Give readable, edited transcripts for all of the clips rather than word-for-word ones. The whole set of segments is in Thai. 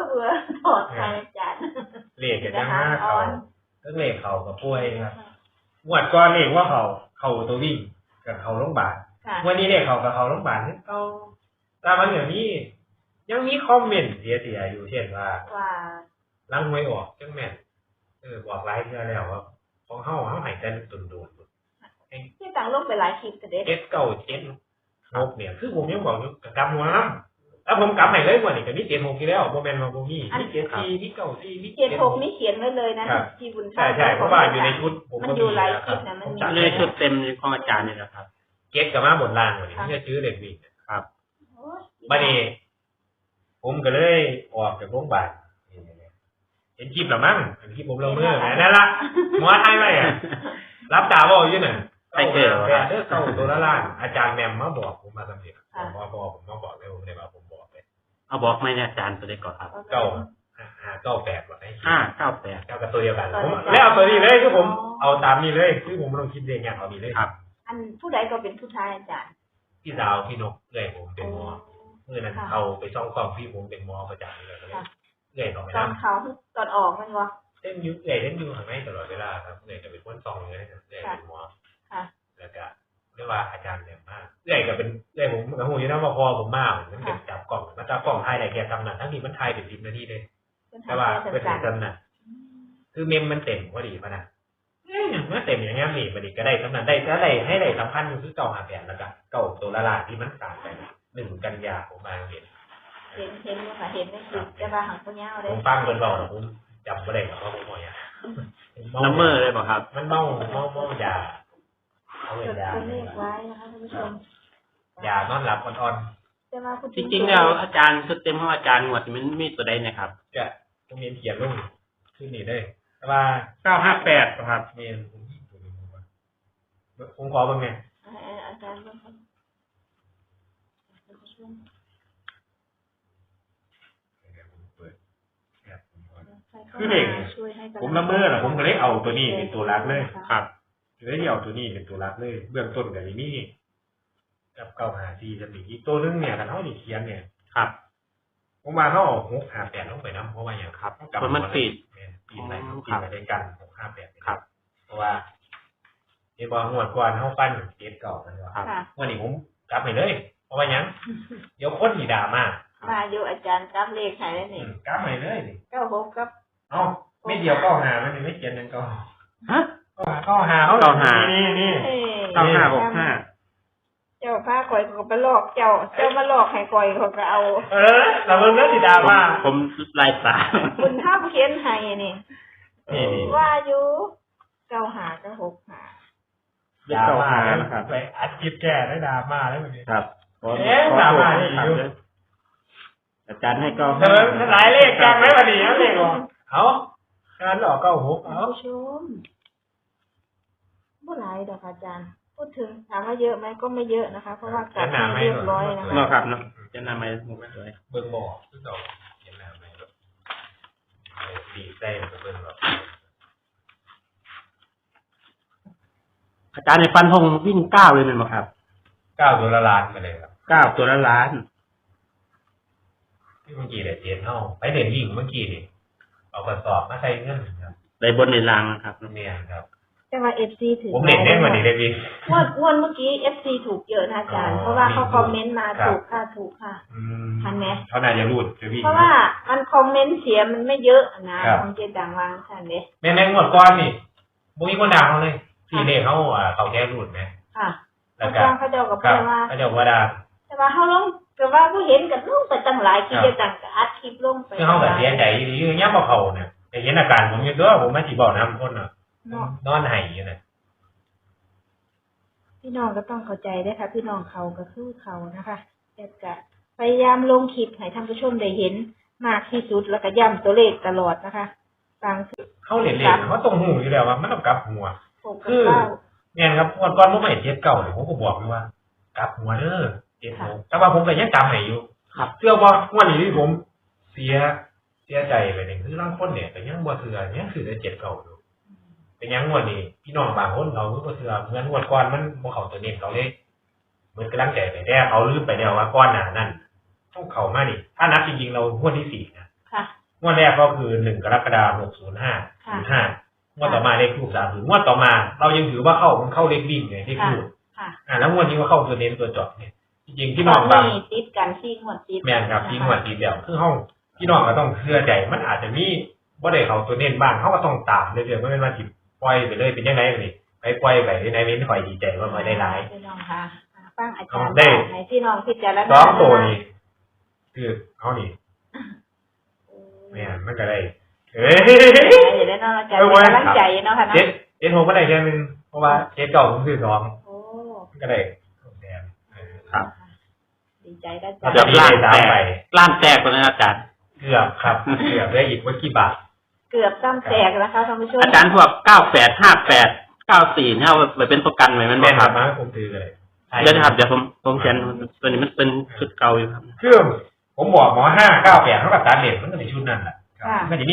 เบื่อถอดใครอาจารย์เลขกับจังห้าเขาก็เลขเขากับป่วยครับงวดก่อนเลขว่าเขาตัววิ่งกับเขาโรงพยาบาลวันนี้เลขเขากับเขาโรงพยาบาลเขาแต่มันอย่างนี้ยังมีคอมเมนต์เสียอยู่เช่นว่าล้างหวยออกจังแม่นบอกหลายเทื่อแล้วว่าของเฮาหายใจโดนที่ต่างโลกไปหลายคลิปแต่เด็ก 7 9 7 6เนี่ยคือผมยังบอกอยู่กับกำหัวน้ำแล้วผมกำให้เลยว่านี่ก็มี7 6ที่แล้วโมเมนต์มาบ่มี7 4มี9 4มี 7 6นี่เขียนไว้เลยนะที่บุญใช่เพราะว่าอยู่ในชุดผมมันอยู่หลายคลิปนะมันอยู่ในชุดเต็มของอาจารย์นี่แหละครับ 7กับมาบนล่างว่านี่จะซื้อเลขวิ่งครับบัดนี้ผมก็เลยออกจากโรงพยาบาลเห็นคลิปหรือมั้งเห็นคลิปผมละเมอนั่นละหมอไทยไว้รับตาบอกอยู่น่ะใครเกิดเข้าตัวละล้านอาจารย์แมมมาบอกผมมาสำเร็จผมมาบอกเลยผมเลยว่าผมบอกเลยเอาบอกไหมเนี่ยอาจารย์ตัวเล็กก่อนครับ 998ก่อนให้ 598 กับตัวเดียวกันแล้วเอาตัวนี้เลยคือผมเอาตามนี้เลยคือผมลองคิดเองอย่างเอานี้เลยครับอันผู้ใดก็เป็นผู้ชายอาจารย์พี่ดาวพี่นกเอ้ยผมเป็นหมอเมื่อนั้นเอาไปซ่องกล้องพี่ผมเป็นหมอประจำเลยเอ้ยต่อไปตอนเขาตอนออกมันวะเล่นยุคเอ้ยเล่นอยู่ข้างในตลอดเวลาครับเอ้ยจะเป็นคนซ่องเลยเอ้ยเป็นหมอแล้วก็เรียกว่าอาจารย์เนี่ยมากเอ้ยก็เป็นเอ้ยผมกับหูอยู่นะว่าพอผมมากมันเก็บจับกล่องมันจับกล่องไทยไหนแกทำนั่นทั้งนี้มันไทยเป็น10 นาทีเลยแต่ว่าเป็นจำน่ะคือเมมมันเต็มพอดีป่ะนะเมื่อเต็มอย่างเงี้ยนี่มันก็ได้สำนักได้ก็ได้ให้ได้สำคัญคือ958แล้วก็ตัวละลายที่มันขาดไป1 กันยาผมมาเห็นค่ะเห็นในคลิปจะมาหังตัวเงี้ยเลยผมฟังคนบอกผมจำไม่ได้หรอกว่าผมบอกอย่างน้ำมือเลยป่ะครับมันเมายาเอาเงินยาไว้นะคะท่านผู้ชมยานอนหลับอ่อนๆจริงๆแล้วอาจารย์ชุดเต็มของอาจารย์หมดมันมีตัวใดนะครับจะต้องเรียนเขียนลงขึ้นนี่ได้แต่ว่า 958ครับเรียนผมขอบ้างไงอาจารย์คือเด็กผมละเมอผมก็เลยเอาตัวนี้เป็นตัวรักเลยครับเลยเอาตัวนี้เป็นตัวรักเลยเบื้องต้นกับนี่กับ954จะมีอีกตัวนึงเนี่ยกันเท่านี้เขียนเนี่ยครับผมมาเขา658ลงไปน้ำเพราะว่าอย่างครับมันปิดอะไรปิดอะไรกัน658ครับเพราะว่าเห็นบอกงวดก่อนเขาปั้นเก็บเก่ากันว่าวันนี้ผมกลับไปเลยเพราะว่ายังเดี๋ยวคนมีด่ามาอยู่อาจารย์กลับเลขไหนแล้วนี่กลับไปเลยนี่ 96กับไม่เดียว95มันไม่เขียนนั่นก็ฮะ 95เขานี่ 9565 เจ้าผ้าก่อยเขาไปหลอกเจ้ามาหลอกให้ก่อยเขาก็เอาเราเริ่มสีดามาผมลายตาคุณท่าเขียนให้นี่ว่าอยู่95กับ65 ดามาครับไปอัดคลิปแก่ได้ดามาได้แบบนี้ครับดามาอยู่อาจารย์ให้ก็หลายเลขจังไหมวันนี้เลขเขาการหลอก96เอาชมบ่หลายดอกอาจารย์พูดถึงถามว่าเยอะไหมก็ไม่เยอะนะคะเพราะว่ากัดเรียบร้อยนะคะเนาะครับเนาะจะนำไปเบิ่งบ่อซึ่งเราเห็นแล้วไหมดีเต้เบิ่งแบบอาจารย์ในฟันธงวิ่ง9เลยมั้ยครับ 9ตัวละล้านไปเลยครับ 9ตัวละล้านที่เมื่อกี้เรียนเฮาไปเรียนวิ่งเมื่อกี้นี่เอากระสอบมาใส่เงินครับได้บนในรางนะครับเนี่ยครับแต่ว่า FC ถือผมเล่นได้วันนี้ได้วิ่งวันเมื่อกี้ FC ถูกเยอะนะอาจารย์เพราะว่าเขาคอมเมนต์มาถูกค่ะทันไหมเขาน่าจะรูดจะวิ่งเพราะว่ามันคอมเมนต์เสียมันไม่เยอะนะของเจดังวางทันเด้แม่งหมดก้อนนี่บ่มีคนด่าเขาเลยที่เลขเขาแค่รูดไหมแล้วก็เขาเจ้ากับเพื่อนว่าเขาเจ้าว่าด่าแต่ว่าเขาลงแต่ว่าผู้เห็นกันลงไปตั้งหลายคลิปจะตั้งอัดคลิปลงไปเขาแบบเสียใจดีอยู่เงี้ยบ่เขาเนี่ยแต่เห็นอาการผมอยู่ตัวผมไม่สิบอกน้ำคนน่ะนอนไห้อยู่น่ะพี่น้องก็ต้องเข้าใจด้วยค่ะพี่น้องเขาก็คือเขานะคะแต่จะพยายามลงคลิปให้ท่านผู้ชมได้เห็นมากที่สุดแล้วก็ย้ำตัวเลขตลอดนะคะบางทีเขาเห็นเลขเขาตรงหูอยู่แล้วว่ามันต้องกลับหัวคือเนี่ยครับก่อนผมไม่เจ็บเก่าเลยผมก็บอกเลยว่ากลับหัวเด้อเจ็บหัวแต่ว่าผมก็ยังจำให้อยู่เชื่อว่าวันนี้ที่ผมเสียใจไปหนึ่งคือร่างคนเนี่ยแต่ยังบ่เถื่อยังคือได้เจ็บเก่าอยู่เป็นยังงวดนี้พี่น้องบางคนเขาก็เถื่อเหมือนงวดก่อนมันบ่เข้าตัวเน้นเขาเลยเหมือนกำลังใจไปแต่เขาลืมไปแล้วว่าก้อนหน้านั่นต้องเข้ามานี่ถ้านับจริงๆเรางวดที่4นะงวดแรกก็คือ1 กรกฎาคม 605 งวดต่อมาเลขทูบ30งวดต่อมาเรายังถือว่ามันเข้าเลขวิ่งไงที่ทูบแล้วงวดนี้ก็เข้าตัวเน้นตัวเจาะเนี่ยจริงๆพี่น้องบางติดกันที่งวดติดแม่นครับที่งวดติดเดียวคือห้องพี่น้องก็ต้องเชื่อใจมันอาจจะมีบ่ได้เข้าตัวเน้นบ้างเขาก็ต้องตามเรื่อยๆไม่เป็นว่าสิปล่อยไปเลยเป็นยังไงนี่ไปปล่อยไปในนี้ไม่ค่อยดีใจว่าไม่ได้หลายพี่น้องค่ะฟังอาจารย์ได้ให้พี่น้องพิจารณา 2ตัวนี้คือเขานี่แม่นมันก็ได้ได้เนาะอาจารย์กำลังใจเนาะค่ะเนาะเจ็ดโฮก็ได้แค่นึงเพราะว่าเจ็ดเก่าผมซื้อ2ก็ได้ครับดีใจได้จ้ะเกือบล้านแตกเลยอาจารย์เกือบครับเกือบได้อีกว่ากี่บาทเกือบซ้ำแตกนะคะท่านผู้ชมอาจารย์พวก98 58 94เนี่ยเอาไปเป็นประกันไว้มันบ่ครับผมถือเลยเดี๋ยวนะครับเดี๋ยวผมเขียนตัวนี้มันเป็นชุดเก่าอยู่ครับคือผมบอกหมอ598เท่ากับตัดเหรียญมันก็ในชุดนั้นแหละมันจะมี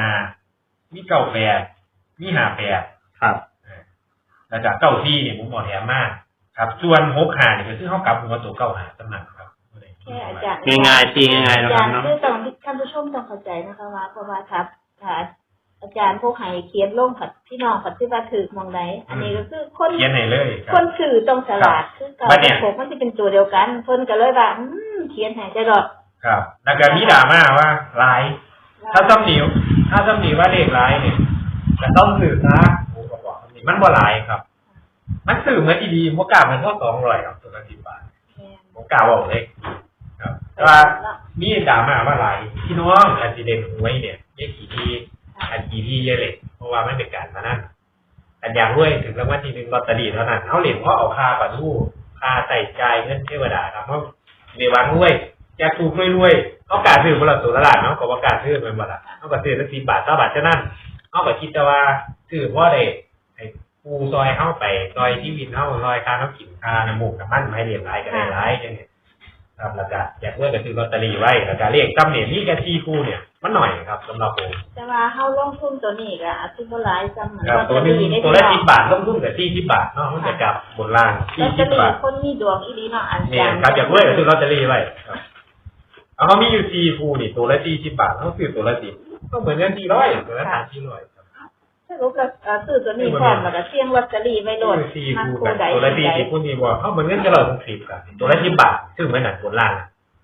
95มี98มี58 ครับแล้วก็94เนี่ยผมบอกแถมมากครับส่วน65เนี่ยคือเฮากลับหัวตัว95สำนักครับแค่อาจารย์ง่ายๆตีง่ายๆนะครับเนาะคือต้องท่านผู้ชมต้องเข้าใจนะคะว่าเพราะว่าครับอาจารย์พวกให้เขียนลงกับพี่น้องกับที่ว่าถือมองไหนอันนี้ก็คือคนเขียนให้เลยคนถือต้องฉลาดคือเก่าพวกมันจะเป็นตัวเดียวกันเพิ่นก็เลยว่าเขียนให้ใจรอดครับแล้วก็มีดราม่าว่าลายถ้าซ้ำหนิว่าเลขลายเนี่ยจะต้องถือนะผมก็บอกนี่มันบ่ลายครับมันสื่อเหมือนดีๆบ่กล้ามันเท่า200ครับตัวละ10 บาทบ่กล้าบอกเลยครับว่ามีดราม่าว่าลายพี่น้องอันสิเด่นหวยเนี่ยเลขกี่ทีอันกี่ที่เยอะเลยเพราะว่าไม่เป็นการพนันอันอย่างด้วยถึงรางวัลที่1ลอตเตอรี่เท่านั้นเขาเหรียญเพราะเอาค่าปะทู่ค่าใส่ใจเงินเทวดาครับเพราะเดวังด้วยอยากถูกรวยเขาการซื้อคนละตัวละล้านเนาะก็ว่าการซื้อเป็นบ่ล่ะเขาก็ซื้อละ10 บาท20 บาทเท่านั้นเขาก็คิดแต่ว่าซื้อเพราะได้ให้ปูซอยเข้าไปซอยที่วินเข้าซอยค่าน้ำกินค่าน้ำมูกน้ำมันไม่เรียนหลายก็ได้หลายจังเนี่ยครับแล้วก็อยากเลือกก็ซื้อลอตเตอรี่ไว้แล้วก็เลขจำเนี่ยมีแค่4 คู่เนี่ยมันหน่อยครับสำหรับผมแต่ว่าเฮาลงทุนตัวนี้ก็อาจสิบ่หลายซ้ำเหมือนว่าตัวละ10 บาทลงทุนก็40 บาทเนาะมันจะกลับบนล่าง40 บาทคนมีดวงอีหลีเนาะอันนี้ครับอยากเลือกก็ซื้อลอตเตอรี่ไว้ครับเขามีอยู่4 คู่นี่ตัวละ40 บาทเขาซื้อตัวละ10ก็เหมือนกัน400ตัวละ400ครับสรุปแล้วซื้อตัวนี้พร้อมแล้วก็เสี่ยงลอตเตอรี่ไว้โลด 4 คู่กันตัวละ40คู่นี้บ่เขาเหมือนกันจะ160ครับตัวละ10 บาทซื้อเหมือนกันบนล่าง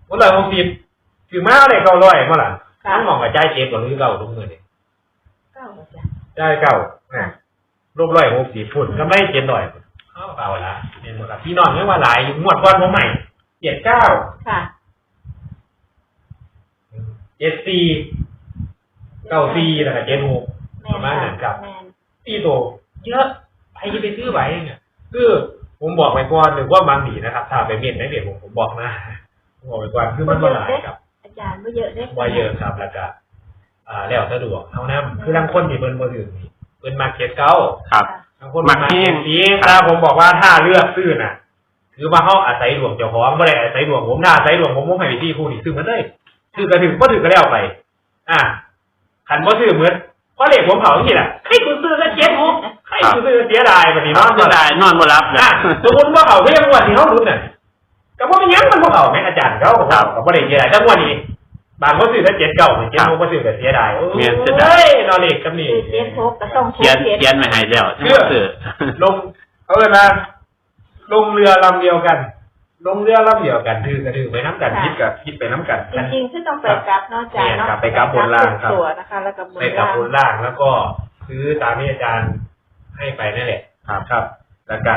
160ถือมาได้900บ่ล่ะทั้งหม่องกับจ่าย7ก็คือ9ทุกมื้อนี่ 9จ้ะจ่าย9นะรวม160พุ่นกำไร700เอาละเห็นบ่ครับพี่น้องยังว่าหลายงวดก่อนผมใหม่79 ค่ะ 74 94แล้วก็76ประมาณนั้นครับตีโตเยอะใครจะไปซื้อไหวเนี่ยคือผมบอกไปก่อนหรือว่าบางทีนะครับถ้าไปเมียนในเด็กผมบอกนะบอกไปก่อนคือมันบ่หลายครับอาจารย์บ่เยอะเด้บ่เยอะครับแล้วก็แล้วสะดวกเท่านั้นคือบางคนที่เพิ่นบ่ถึงนี่เพิ่นมาเก็ตเก่าครับบางคนมาเก็ตนี้ถ้าผมบอกว่าถ้าเลือกซื้อน่ะคือว่าเฮาอาศัยดวงเจ้าของบ่ได้อาศัยดวงผมถ้าอาศัยดวงผมให้วิธีคู่นี่ซื้อมันได้ซื้อก็ถึงบ่ถึงก็แล้วไปคันบ่ซื้อเหมือนเพราะเลขผมเผาที่น่ะให้กูซื้อก็76ให้กูซื้อเสียดายบัดนี้เนาะเสียดายนอนบ่หลับนะสมมุติว่าเขาเรียกว่าที่เฮารู้น่ะก็บ่เป็นหยังมันบ่เข้าแม่อาจารย์เขาก็บ่ได้เสียดายจังว่านี้บางคนซื้อแล้ว7976บ่ซื้อก็เสียดายโอ้ยนอนเลขจำนี่ 76ก็ต้องเขียนไว้ให้แล้วซื้อลงเอาเลยมาลงเรือลำเดียวกันถือก็ถือไปน้ำกันคิดไปน้ำกันจริงๆคือต้องไปกลับเนาะอาจารย์เนาะไปกลับบนล่างครับตัวนะคะแล้วก็ไปกลับบนล่างแล้วก็ซื้อตามที่อาจารย์ให้ไปนั่นแหละครับแล้วก็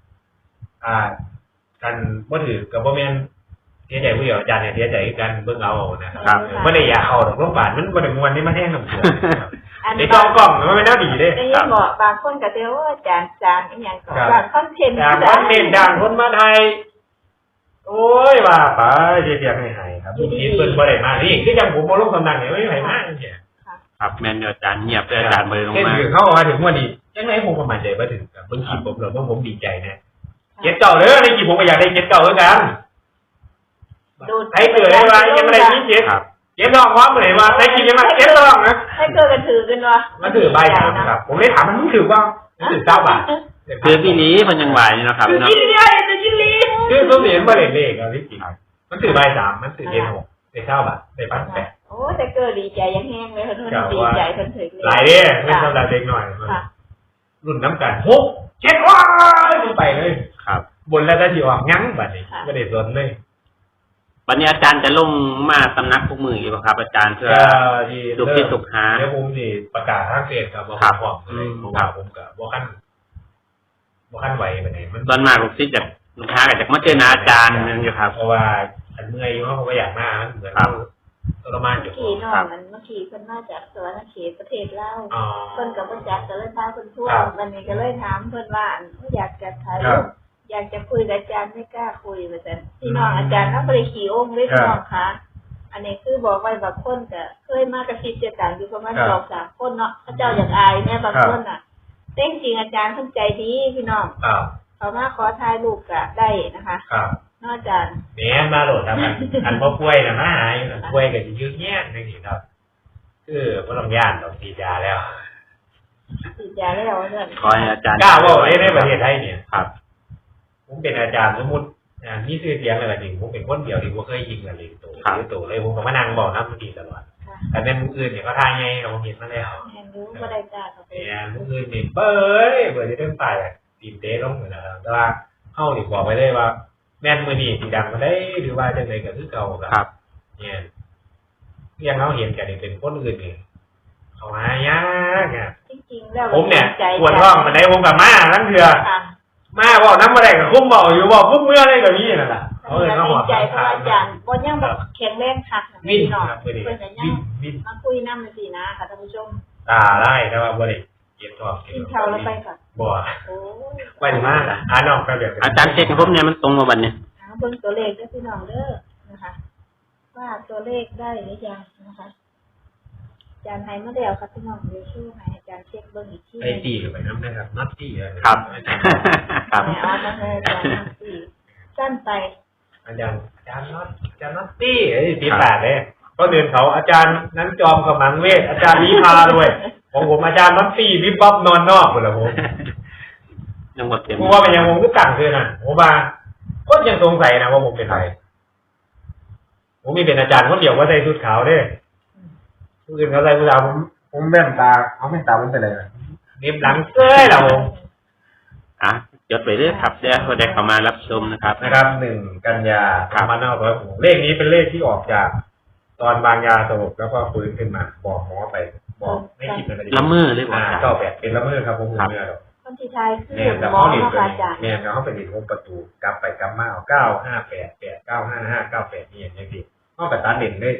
กันบ่ถือกับบ่แม่นเสียใจผู้เดียวอาจารย์เนี่ยเสียใจกันเบิ่งเอานะครับบ่ได้อยากเอาดอกโรงพยาบาลมันบ่ได้ม่วนนี่มันแห้งน้ำเสือในกล่องมันไม่น่าดีเด้ครับบางคนก็เดี๋ยวอาจารย์อีหยังก็บางคอนเทนต์ดังคนมาไทยโอ้ยว่าไปเสียงให้ครับคิดเพิ่นบ่ได้มานี่คือจังผมบ่ลงตำแหน่งนี่ไม่มีใครมาจังซี่ครับแม่นอาจารย์เงียบอาจารย์บ่ได้ลงมาคือเขาว่าถึงวันนี้จังได๋ผมก็มั่นใจบ่ถึงครับเบิ่งคลิปผมแล้วผมดีใจนะเก็บเก่าเด้อในคลิปผมก็อยากได้เก็บเก่าเหมือนกันให้เกิดได้ว่ายังไม่ได้ยินเก็บเก็บน้องว่าบ่ได้ว่าได้กินยังมาเก็บน้องนะให้เกิดกันถือกันว่ามันถือใบครับผมเลยถามมันถือว่ามันถือ9 บาทคือพี่นี้มันยังไหวนะครับเนาะคือผมเห็นบ่ได้เลขอ่ะพี่จริงมันถือใบ3มันถือเดือน6ได้9 บาทได้1,800 โอ้แต่เกิดดีใจยังแห้งเลยเพิ่นดีใจเพิ่นถึงเลยหลายเด้ไม่สำหรับเด็กหน่อยรุ่นน้ำกัน6 7ว้ายไปเลยครับบนแล้วได้ที่ออกยั้งบัดนี้ไม่ได้สนเลยวันนี้อาจารย์จะลงมาสำนักพวกมืออีกครับอาจารย์เพื่อลูกศิษย์ลูกหาเดี๋ยวผมสิประกาศทางเฟซครับว่าผมพร้อมเลยผมว่าผมก็บ่คันไหวปานใดมันตอนมาลูกศิษย์จากลูกค้าก็จากมาเจออาจารย์นึงอยู่ครับเพราะว่าอันเมื่อยอยู่เพราะว่าอยากมามันเหมือนทรมานอยู่ขี่น้องมันเมื่อกี้เพิ่นมาจากสวรรณเขตประเทศลาวเพิ่นก็บ่จักก็เลยพาเพิ่นทั่ววันนี้ก็เลยถามเพิ่นว่าอยากจะถ่ายรูปอยากจะคุยกับอาจารย์ไม่กล้าคุยว่าซั่นพี่น้องอาจารย์นำบ่ได้ขี่องค์เลยพี่น้องค่ะอันนี้คือบอกไว้บางคนก็เคยมากระซิบเจอกันอยู่ประมาณ2-3คนเนาะเขาเจ้าอยากอายแม่บางคนน่ะแต่จริงอาจารย์เพิ่นใจดีพี่น้องเขามาขอถ่ายรูปก็ได้นะคะนอกจากแม่มาโหลดครับอันบ่ป่วยน่ะมาหายป่วยก็สิยืดแย่จังซี่ครับคือบ่ต้องย่านดอกฉีดยาแล้วฉีดยาแล้วเพิ่นขอให้อาจารย์กล้าเว้าไว้ในประเทศไทยเนี่ยครับผมเป็นอาจารย์สมมุติมีชื่อเสียงอะไรจริงผมเป็นคนเดียวที่บ่เคยยิงอะไรตัวเลยผมก็มานั่งบอกนำดีตลอดแต่เป็นมื้ออื่นเนี่ยเขาทายไงเราเห็นมาแล้วแม่นรู้บ่ได้จ้าเขาเป็นมื้ออื่นนี่เบ้ยเบิ่ได้เต็มปลายตีนเตะลงนะครับแต่ว่าเฮานี่บอกไว้เลยว่าแม่นมื้อนี้สิดังมาได้หรือว่าจังได๋ก็คือเก่าครับเนี่ยเรียงเฮาเห็นกันนี่เป็นคนอื่นนี่เขาหายากอ่ะจริงๆแล้วผมเนี่ยปวดท้องปานใดผมก็มาทั้งเทื่อมาเว้านำบ่ได้ก็คุมเว้าอยู่บ่ปุ๊บเมื่อเลยก็มีนั่นล่ะเอิ้นมาหอดใจเพราะอาจารย์บ่ยังบ่แข็งแรงคักพี่น้องเพิ่นก็ยังมาคุยนำจังซี่นะค่ะท่านผู้ชมได้แต่ว่าบ่ได้เก็บท้องกินข้าวแล้วไปค่ะบ่โอ้ไปมาน้องไปแบบอาจารย์เช็คให้ผมเนี่ยมันตรงบ่บัดนี้เบิ่งตัวเลขเด้อพี่น้องเด้อนะคะว่าตัวเลขได้หรือยังนะคะอาจารย์ให้มาแล้วครับพี่น้องเดี๋ยวช่วยให้อาจารย์เช็คเบิ่งอีกทีไอ้ตีก็ไปนำได้ครับนัดตีครับครับเอามาให้อาจารย์นัดตีสั้นไปอาจารย์นัดตีไอ้ตีแปดเลยก็เดินเขาอาจารย์นั้นจอมกำลังเวทอาจารย์วิภาด้วยของผมอาจารย์นัดตีวิบบ๊อบนอนนอกหมดแล้วผมยังหมดเต็มผมว่าเป็นยังผมก็ต่างคือน่ะผมว่าก็ยังสงสัยนะว่าผมเป็นใครผมมีเป็นอาจารย์คนเดียวว่าใส่ชุดขาวด้วยผู้อื่นเขาใส่ผู้สาวผมแว่นตาเขาไม่ตาผมเป็นอะไรเน็บหลังเซ้ยเราจดไปเรื่อยครับเดี๋ยวคนใดเข้ามารับชมนะครับ 1 กันยา2566เลขนี้เป็นเลขที่ออกจากตอนบางยาสลบแล้วก็ฟื้นขึ้นมาบอกหมอไปบอกไม่คิดอะไรละเมอเลยบอก 98เป็นละเมอครับผมเมื่อหรอกคนที่ทายคือหมออาจารย์เนี่ยเขาเป็นดินวงประตูกลับไปกลับมาเอา958 8 955 98นี่อย่างนี้นอกจากตัดเด่นได้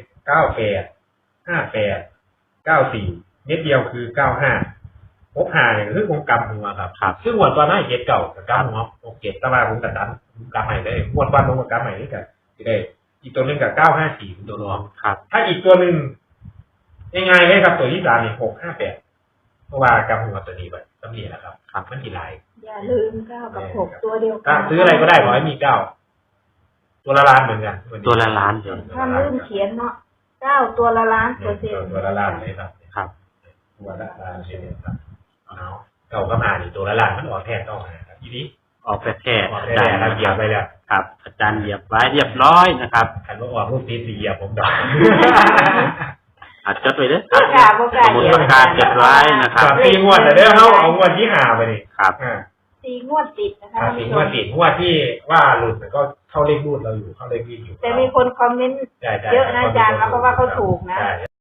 98 58 94เม็ดเดียวคือ95พบหาเนี่ยคือผมกำหัวครับซึ่งวันตอนนั้น7เก่ากับกำหัว67ตะวันผมตัดดันกำใหม่เลยงวดวันผมกับกำใหม่นี่กันที่ได้อีกตัวนึงกับ954เป็นตัวรองครับถ้าอีกตัวนึงง่ายๆเลยครับตัวที่3นี่658เพราะว่ากำหัวตัวนี้ไปต้องมีแล้วครับมันกี่ลายอย่าลืม9กับ6ตัวเดียวกันซื้ออะไรก็ได้ขอให้มี9ตัวละล้านเหมือนกันตัวละล้านเดียวถ้าลืมเขียนเนาะ9ตัวละล้านตัวละล้านเลยครับตัวละล้านเลยครับเอาเก่าก็มาดิตัวละล้านมันออกแทนต้องครับทีนี้ออกแท้อาจารย์เหยียบไปแล้วครับอาจารย์เหยียบไว้เรียบร้อยนะครับคันว่าออกรูปตีเหยียบผมดอกจดไปเลยสมุดประกาศจดไว้นะครับ 4 งวดแต่เด้อเฮาเอางวดที่5ไปดิครับ 4 งวดติดนะคะ 4 งวดติดงวดที่ว่าหลุดก็เข้าเลขรูดเราอยู่เข้าเลขวิ่งอยู่แต่มีคนคอมเมนต์เยอะนะอาจารย์แล้วก็ว่าเขาถูกนะ